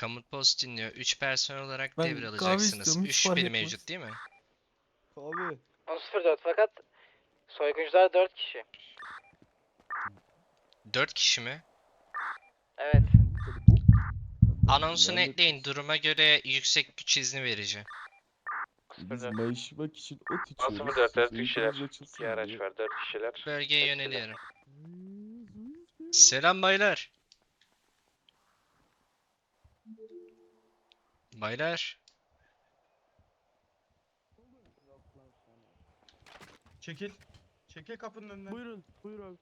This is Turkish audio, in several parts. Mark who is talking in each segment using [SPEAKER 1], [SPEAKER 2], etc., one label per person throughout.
[SPEAKER 1] Komut post dinliyor. 3 personel olarak
[SPEAKER 2] Ben kahve
[SPEAKER 1] devralacaksınız.
[SPEAKER 2] istiyorum, hiç
[SPEAKER 1] 3
[SPEAKER 2] fark
[SPEAKER 1] şüpheli
[SPEAKER 2] etmez.
[SPEAKER 1] mevcut değil mi?
[SPEAKER 3] Abi.
[SPEAKER 4] 10.04 fakat soyguncular 4 kişi.
[SPEAKER 1] 4 kişi mi?
[SPEAKER 4] Evet.
[SPEAKER 1] Anonsunu
[SPEAKER 3] Yani
[SPEAKER 1] ekleyin. Duruma göre yüksek güç izni vereceğim.
[SPEAKER 3] biz
[SPEAKER 4] 04.
[SPEAKER 3] mayışmak için ot içiyoruz.
[SPEAKER 5] 04 4
[SPEAKER 3] Siz
[SPEAKER 5] kişiler.
[SPEAKER 3] uykunuz
[SPEAKER 5] 2
[SPEAKER 3] açılsın
[SPEAKER 5] araç
[SPEAKER 3] diye.
[SPEAKER 5] var 4 kişiler.
[SPEAKER 1] Bölgeye
[SPEAKER 5] Hepsi de.
[SPEAKER 1] yöneliyorum. Selam baylar. Baylar.
[SPEAKER 6] Çekil. Çekil kapının önünden.
[SPEAKER 2] Buyurun, buyur abi.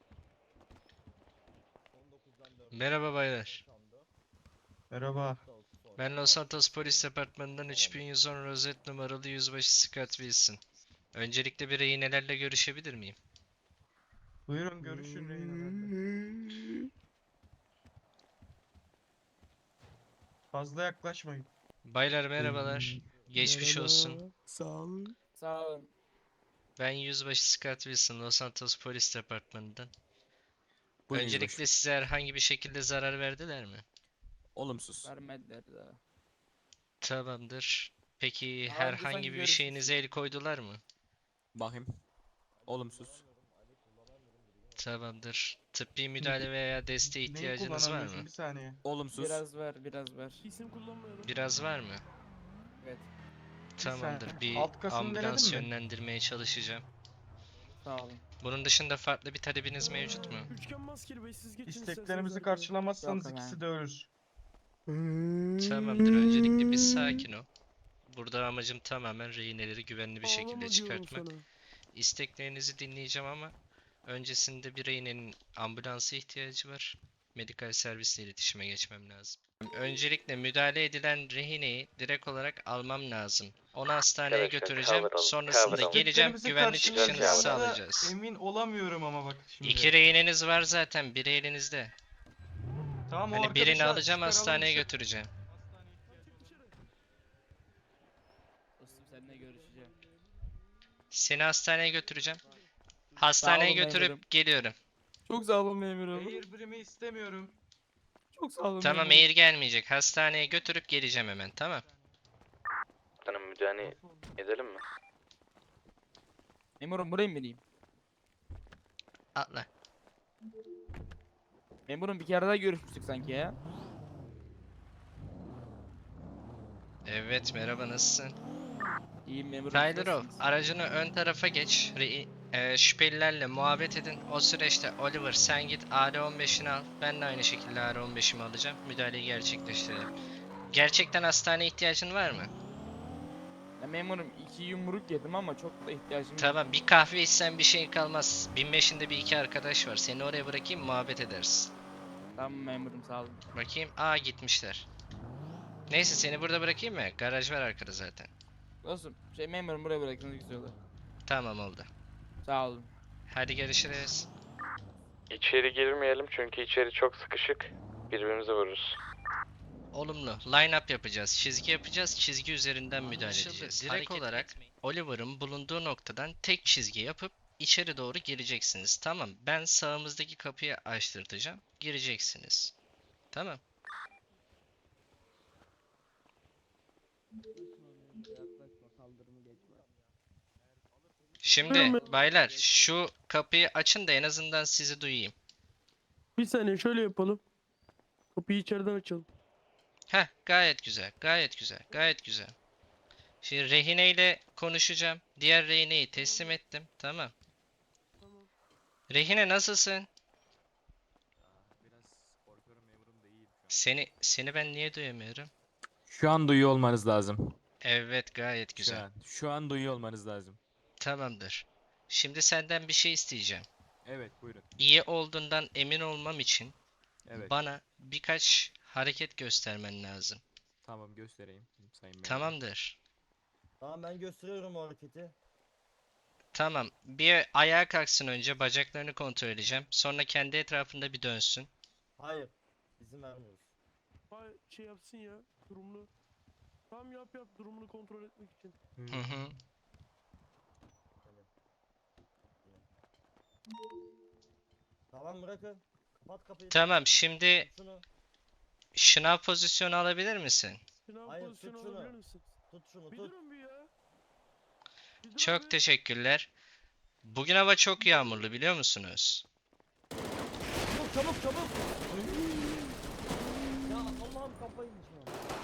[SPEAKER 1] Merhaba baylar.
[SPEAKER 6] Merhaba.
[SPEAKER 1] Ben Los Santos Polis Departmanı'ndan 3110 rozet numaralı yüzbaşı Scott Wilson. Öncelikle bir rehinelerle görüşebilir miyim?
[SPEAKER 6] Buyurun görüşün rehinelerle. Fazla yaklaşmayın.
[SPEAKER 1] Baylar merhabalar. Geçmiş
[SPEAKER 2] Merhaba,
[SPEAKER 1] olsun.
[SPEAKER 2] Sağ olun.
[SPEAKER 4] Sağ olun.
[SPEAKER 1] Ben yüzbaşı Scott Wilson, Los Santos Polis Departmanı'ndan.
[SPEAKER 7] Buyurun
[SPEAKER 1] Öncelikle
[SPEAKER 7] yüzbaşı.
[SPEAKER 1] size herhangi bir şekilde zarar verdiler mi?
[SPEAKER 7] Olumsuz.
[SPEAKER 4] Vermediler daha.
[SPEAKER 1] Tamamdır. Peki
[SPEAKER 4] Daha önce
[SPEAKER 1] herhangi
[SPEAKER 4] sanki
[SPEAKER 1] bir şeyinize el koydular mı?
[SPEAKER 7] Bakayım. Olumsuz.
[SPEAKER 1] Tamamdır. Tıbbi müdahale veya desteğe
[SPEAKER 6] Neyi
[SPEAKER 1] ihtiyacınız var
[SPEAKER 6] kullanamıyorsun?
[SPEAKER 1] mı?
[SPEAKER 6] Bir saniye.
[SPEAKER 7] Olumsuz.
[SPEAKER 4] Biraz ver, biraz ver.
[SPEAKER 2] İsim kullanmıyorum.
[SPEAKER 1] Biraz var mı?
[SPEAKER 4] Evet.
[SPEAKER 1] Tamamdır.
[SPEAKER 6] saniye.
[SPEAKER 1] Bir
[SPEAKER 6] Alt kasını
[SPEAKER 1] ambulans
[SPEAKER 6] denedin mi?
[SPEAKER 1] yönlendirmeye çalışacağım.
[SPEAKER 4] Sağ olun.
[SPEAKER 1] Bunun dışında farklı bir talebiniz mevcut mu?
[SPEAKER 2] Üçgen maskeli bey, siz geçin
[SPEAKER 6] İsteklerimizi
[SPEAKER 2] isterseniz
[SPEAKER 6] karşılamazsanız
[SPEAKER 4] Yok
[SPEAKER 6] ikisi
[SPEAKER 4] efendim.
[SPEAKER 6] de ölür.
[SPEAKER 1] Tamamdır. Öncelikle bir sakin ol. Burada amacım tamamen rehineleri güvenli bir şekilde
[SPEAKER 2] Ağlama diyorum
[SPEAKER 1] çıkartmak.
[SPEAKER 2] sana.
[SPEAKER 1] İsteklerinizi dinleyeceğim ama öncesinde bir rehinenin ambulansa ihtiyacı var. Medikal servisle iletişime geçmem lazım. Öncelikle müdahale edilen rehineyi direkt olarak almam lazım. Onu hastaneye
[SPEAKER 5] Arkadaşlar,
[SPEAKER 1] götüreceğim.
[SPEAKER 5] kavuralım,
[SPEAKER 1] Sonrasında
[SPEAKER 5] kavuralım.
[SPEAKER 1] geleceğim.
[SPEAKER 6] İsteklerimizi
[SPEAKER 1] Güvenli çıkışınızı
[SPEAKER 5] karşılayacağız.
[SPEAKER 1] sağlayacağız.
[SPEAKER 6] Emin olamıyorum ama bak şimdi.
[SPEAKER 1] 2 rehineniz var zaten. Biri elinizde.
[SPEAKER 6] Tamam, o
[SPEAKER 1] Hani birini
[SPEAKER 6] arkadaşı
[SPEAKER 1] alacağım,
[SPEAKER 6] çıkaralım
[SPEAKER 1] hastaneye
[SPEAKER 6] dışarı.
[SPEAKER 1] götüreceğim.
[SPEAKER 4] Dostum seninle görüşeceğim.
[SPEAKER 1] Seni hastaneye götüreceğim. Hastaneye
[SPEAKER 4] olun
[SPEAKER 1] götürüp
[SPEAKER 4] memurum.
[SPEAKER 1] geliyorum.
[SPEAKER 2] Çok sağ olun memurum.
[SPEAKER 6] Air birimi istemiyorum.
[SPEAKER 2] Çok sağ olun
[SPEAKER 1] Tamam,
[SPEAKER 2] memurum.
[SPEAKER 1] Eğir gelmeyecek. Hastaneye götürüp geleceğim hemen. Tamam.
[SPEAKER 5] Tanım müdahale edelim mi?
[SPEAKER 4] Memurum buraya mı bineyim?
[SPEAKER 1] Atla.
[SPEAKER 4] Memurum bir kere daha görüşmüştük sanki ya.
[SPEAKER 1] Evet, merhaba, nasılsın?
[SPEAKER 4] İyiyim memurum.
[SPEAKER 1] Tyler
[SPEAKER 4] siz
[SPEAKER 1] Ow,
[SPEAKER 4] nasılsınız?
[SPEAKER 1] aracını ön tarafa geç. Şüphelilerle muhabbet edin. O süreçte Oliver sen git AR-15'ini al. Ben de aynı şekilde AR-15'imi alacağım. Müdahaleyi gerçekleştirelim. Gerçekten hastaneye ihtiyacın var mı?
[SPEAKER 4] Ya memurum 2 yumruk yedim ama çok da ihtiyacım yok.
[SPEAKER 1] Tamam, bir kahve içsen bir şey kalmaz. 1500'inde bir iki arkadaş var. Seni oraya bırakayım, muhabbet ederiz.
[SPEAKER 4] Tamam memurum sağ olun.
[SPEAKER 1] Bakayım. Aa, gitmişler. Neyse, seni burada bırakayım mı? Garaj var arkada zaten.
[SPEAKER 4] Dostum memurum buraya bırakın güzel olur.
[SPEAKER 1] Tamam, oldu.
[SPEAKER 4] Sağ olun.
[SPEAKER 1] Hadi görüşürüz.
[SPEAKER 5] İçeri girmeyelim çünkü içeri çok sıkışık. Birbirimize vururuz.
[SPEAKER 1] Olumlu. Line up yapacağız. Çizgi yapacağız. Çizgi üzerinden müdahale edeceğiz. Direkt olarak Oliver'ın bulunduğu noktadan tek çizgi yapıp içeri doğru gireceksiniz. Tamam. Ben sağımızdaki kapıyı açtırtacağım. Gireceksiniz. Tamam. Şimdi baylar, şu kapıyı açın da en azından sizi duyayım.
[SPEAKER 2] Bir saniye şöyle yapalım. Kapıyı içeriden açalım.
[SPEAKER 1] Heh, gayet güzel. Gayet güzel. Gayet güzel. Şimdi rehineyle konuşacağım. Diğer rehineyi teslim ettim. Tamam. Rehine, nasılsın?
[SPEAKER 7] Biraz korkuyorum memurum da iyiyim şu an.
[SPEAKER 1] Seni ben niye duyamıyorum?
[SPEAKER 7] Şu an duyuyor olmanız lazım.
[SPEAKER 1] Evet, gayet
[SPEAKER 7] Şu
[SPEAKER 1] güzel.
[SPEAKER 7] an. Şu an duyuyor olmanız lazım.
[SPEAKER 1] Tamamdır. Şimdi senden bir şey isteyeceğim.
[SPEAKER 7] Evet buyurun.
[SPEAKER 1] İyi olduğundan emin olmam için
[SPEAKER 7] Evet.
[SPEAKER 1] bana birkaç hareket göstermen lazım.
[SPEAKER 7] Tamam göstereyim sayın memurum.
[SPEAKER 1] Tamamdır.
[SPEAKER 3] Tamam, ben gösteriyorum o hareketi.
[SPEAKER 1] Tamam. Bir ayağa kalksın önce. Bacaklarını kontrol edeceğim. Sonra kendi etrafında bir dönsün.
[SPEAKER 3] Hayır. İzin vermiyoruz.
[SPEAKER 2] Hayır, şey yapsın ya, durumunu. Tam yap durumunu kontrol etmek için.
[SPEAKER 1] Hı hı.
[SPEAKER 3] Tamam, bırakın. Kapat kapıyı.
[SPEAKER 1] Tamam. Şimdi
[SPEAKER 3] Şunu.
[SPEAKER 1] Şınav pozisyonu alabilir misin?
[SPEAKER 2] Sınav
[SPEAKER 3] Hayır,
[SPEAKER 2] pozisyonu
[SPEAKER 3] tut şunu.
[SPEAKER 2] alabilir misin?
[SPEAKER 3] Tut şunu
[SPEAKER 2] Bir
[SPEAKER 3] tut.
[SPEAKER 2] durun bir ya. Bir dur
[SPEAKER 1] Çok
[SPEAKER 2] bir.
[SPEAKER 1] teşekkürler. Bugün hava çok yağmurlu biliyor musunuz?
[SPEAKER 3] Çabuk çabuk çabuk. Ya Allah'ım kafayı yiyeceğim.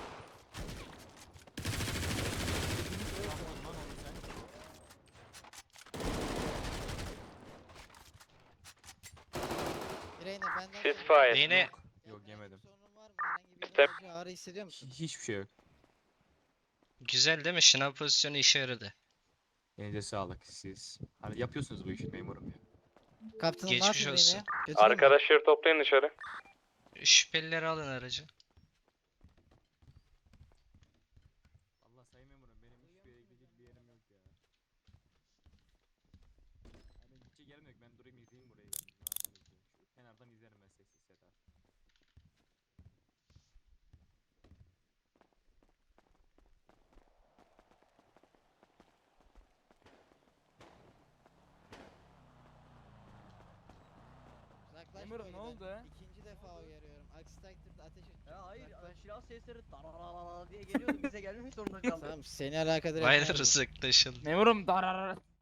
[SPEAKER 8] Reyna benden
[SPEAKER 5] Ceasefire.
[SPEAKER 1] Yine
[SPEAKER 7] Yok yemedim.
[SPEAKER 8] sorunun var mı? Herhangi bir
[SPEAKER 5] Step.
[SPEAKER 8] acı ağrı hissediyor musun?
[SPEAKER 7] Hiçbir şey yok.
[SPEAKER 1] güzel değil mi? Şınav pozisyonu işe yaradı.
[SPEAKER 7] Elinize sağlık siz. Hani yapıyorsunuz bu işi memurum ya.
[SPEAKER 8] Kaptanım ne
[SPEAKER 1] Geçmiş
[SPEAKER 8] yapayım
[SPEAKER 1] olsun.
[SPEAKER 8] Reyna'ya? Götüreyim mi?
[SPEAKER 5] Arkadaşları toplayın dışarı.
[SPEAKER 1] Şüphelileri alın aracı.
[SPEAKER 7] Allah sayın memurum benim hiçbir yere gidecek bir yerim yok ya. Yani gidecek yerim yok, ben durayım izleyeyim burayı ben. Rahattan izleyeyim. Şu kenardan izlerim ben sessiz seda.
[SPEAKER 8] Uzaklaş
[SPEAKER 4] Memurum, ne
[SPEAKER 8] bölgeden.
[SPEAKER 4] oldu?
[SPEAKER 8] İkinci defa uyarıyorum. Aksi takdirde ateş et.
[SPEAKER 3] Ya hayır
[SPEAKER 8] Uzaklaş.
[SPEAKER 3] silah sesleri diye geliyordu bize gelmemek zorunda kaldı.
[SPEAKER 8] Tamam seni alakadar
[SPEAKER 1] Baylar
[SPEAKER 8] etmez bu.
[SPEAKER 1] uzaklaşın.
[SPEAKER 4] Memurum darar.